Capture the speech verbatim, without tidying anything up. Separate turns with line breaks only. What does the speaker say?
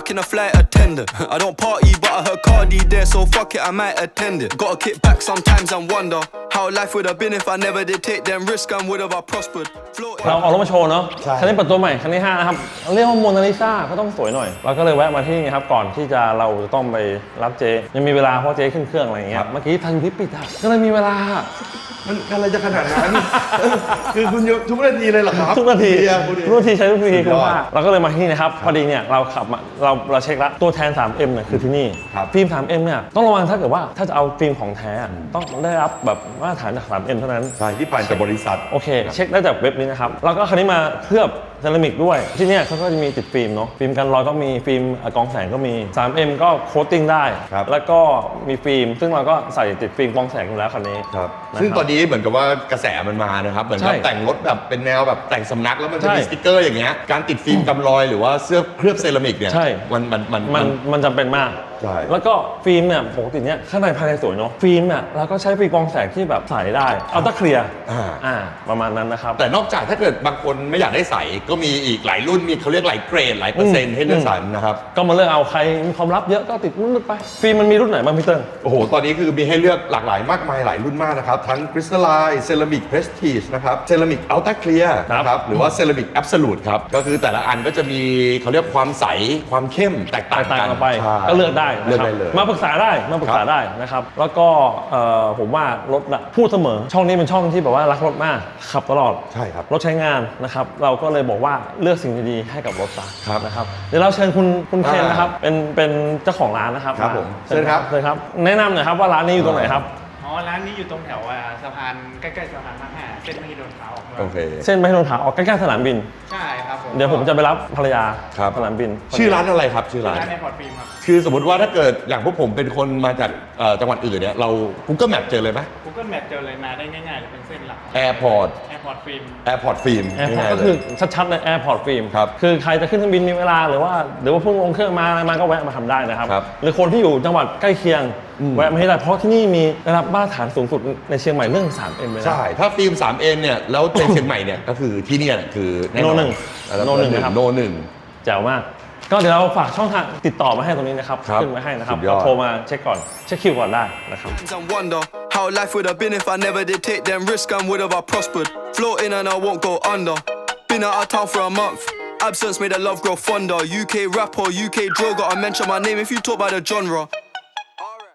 fucking a flight attendant. I don't party, but I heard Cardi there, so fuck it, I might attend it. Gotta kick back sometimes and wonder how life would have been if I never did take them risks and would have I prospered.
เราเอารถมาโชว์เนาะคันนี้เปิดตัวใหม่คันที่ห้านะครับเรียกว่าโมนาลิซาก็ต้องสวยหน่อยเราก็เลยแวะมาที่นี่ครับก่อนที่จะเราจะต้องไปรับเจยังมีเวลาเพราะเจขึ้นเครื่องอะไรอย่างเงี้ยเมื่อกี้ทันที่ปิดอ่ะก็เลยมีเวลา
มันอะไรจะขนาดนั้นคือคุณทุกนาทีเลยเหรอครับ
ทุกนาทีทุกนาทีใช้ทุกนาทีคุณว่าเราก็เลยมาที่นี่นะครับพอดีเนี่ยเราขับมาเราเราเช็คแล้วตัวแทน ทรี เอ็ม เนี่ยคือที่นี่ฟิล์ม ทรี เอ็ม เนี่ยต้องระวังถ้าเกิดว่าถ้าจะเอาฟิล์มของแท้ต้องได้รับแบบมาตรฐานจาก ทรี เอ็ม เท่านั้น
ใช่ที่ผ่านจากบริษัท
โอเคเช็คได้จากเว็บนี้นะครับแล้วก็คันนี้มาเคลือบเซรามิกด้วยที่นี่เขาก็จะมีติดฟิล์มเนาะฟิล์มกันรอยก็มีฟิล์มกรองแสงก็มี ทรี เอ็ม ก็โคตติ้งได้แล้วก็มีฟิล์มซึ่งเราก็ใส่ติดฟิล์มกรองแสงอยู่แล้วคันนี้
ครับซึ่งตอนนี้เหมือนกับว่ากระแสมันมานะครับเหมือนกับแต่งรถแบบเป็นแนวแบบแต่งสำนักแล้วมันจะมีสติ๊กเกอร์อย่างเงี้ยการติดฟิล์มกำรอยหรือว่าเสื้อเคลือบเซรามิกเนี่ยมันมันมัน
มันมันจำเป็นมากแล้วก็ฟิล์มเนี่ยปกติเนี่ยข้างในภายในสวยเนาะฟิล์มเนี่ยเราก็ใช้ฟิล์มกรองแสงที่แบบใส่ได้อัลตร้าเคลียร์อ่าประมาณนั้นนะครับ
แต่นอกจากถ้าเกิดบางคนไม่อยากได้ใส่ก็มีอีกหลายรุ่นมีเขาเรียกหลายเกรดหลายเปอร์เซ็นต์ให้เลือกสรรนะครับ
ก็มาเลือกเอาใครมีความลับเยอะก็ติดรุ่นไปฟิล์มมันมีรุ่นไหนบ้างพี่เติ้ล
โอ้โหตอนนี้คือมีให้เลือกหลากหลายมากมายหลายรุ่นมากนะครับทั้งคริสตัลไลน์เซรามิกเพรสทีจนะครับเซรามิกอัลตร้าเคลียร์นะครับหรือว่าเซรามิกแอบสูตครับก็คือแต่ละอันก็จะมีเขาเรียกความใสความเข้มแตกต่างกัน
ไปก็เลือกได้
เลือกได้เลย
มาปรึกษาได้มาปรึกษาได้นะครับแล้วก็ผมว่ารถพูดเสมอช่องนี้เป็นช่องที่แบบว่ารักรถมากขับตลอด
ใช่ครับ
รถใช้งานนะครับเราก็เลยบอกว่าเลือกสิ่งดีๆให้กับรถซะนะครับเดี๋ยวเราเชิญคุณคุณเคนนะครับเป็นเป็นเจ้าของร้านนะครับ
ครับผมเชิญครับ
เชิญครับแนะนำหน่อยครับว่าร้านนี้อยู่ตรงไหนครับ
อ๋อร้านนี้อยู่ตรงแถวสะพานใกล้ๆสะพานท่าแห่เส้นมหิดลขาออก
โอเค
เส้นมหิดลขาออกใกล้ๆสนามบิน
ใช่ครับผม
เดี๋ยวผมจะไปรับภรรยาสนามบิน
ชื่อร้านอะไรครับชื่อร้าน
ในพอร์ตฟิล์มครับ
คือสมมติว่าถ้าเกิดอย่างพวกผมเป็นคนมาจากจังหวัดอื่นเนี่ยเรา Google Map เจอเลยไหม
Google Map เจอเลยมาได้ง่ายๆเลยเป็นเส้นหลัก
Airport
Airport Film
Airport Film
ก็คือชัดๆใน Airport Film ครับคือใครจะขึ้นเครื่องบินมีเวลาหรือว่าหรือว่าเพิ่งลงเครื่องมาอะไรมาก็แวะมาทำได้นะครับหรือคนที่อยู่จังหวัดใกล้เคียงแวะมาให้ได้เพราะที่นี่มีระดับมาตรฐานสูงสุดในเชียงใหม่เรื่อง ทรี เอ็ม เลยนะ
ใช่ถ้าฟิล์ม ทรี เอ็ม เนี่ยแล้วในเชียงใหม่เนี่ยก็คือที่นี่คือ
โนหนึ่ง
โนหนึ่งนะครับโนหนึ่ง
แจ๋วมากก็เดี๋ยวเราฝากช่องทางติดต่อมาให้ตรงนี้นะครับขึ้นไว้ให้นะครับโทรมาเช็คก่อนเช็คคิวก่อนได้นะครับ
How life would have been if I never did take them risks and would have I prospered. Floating and I won't go under. Been out of town for a month. Absence made the love grow fonder. U K rapper, U K drill, gotta mention my name if you talk about the genre.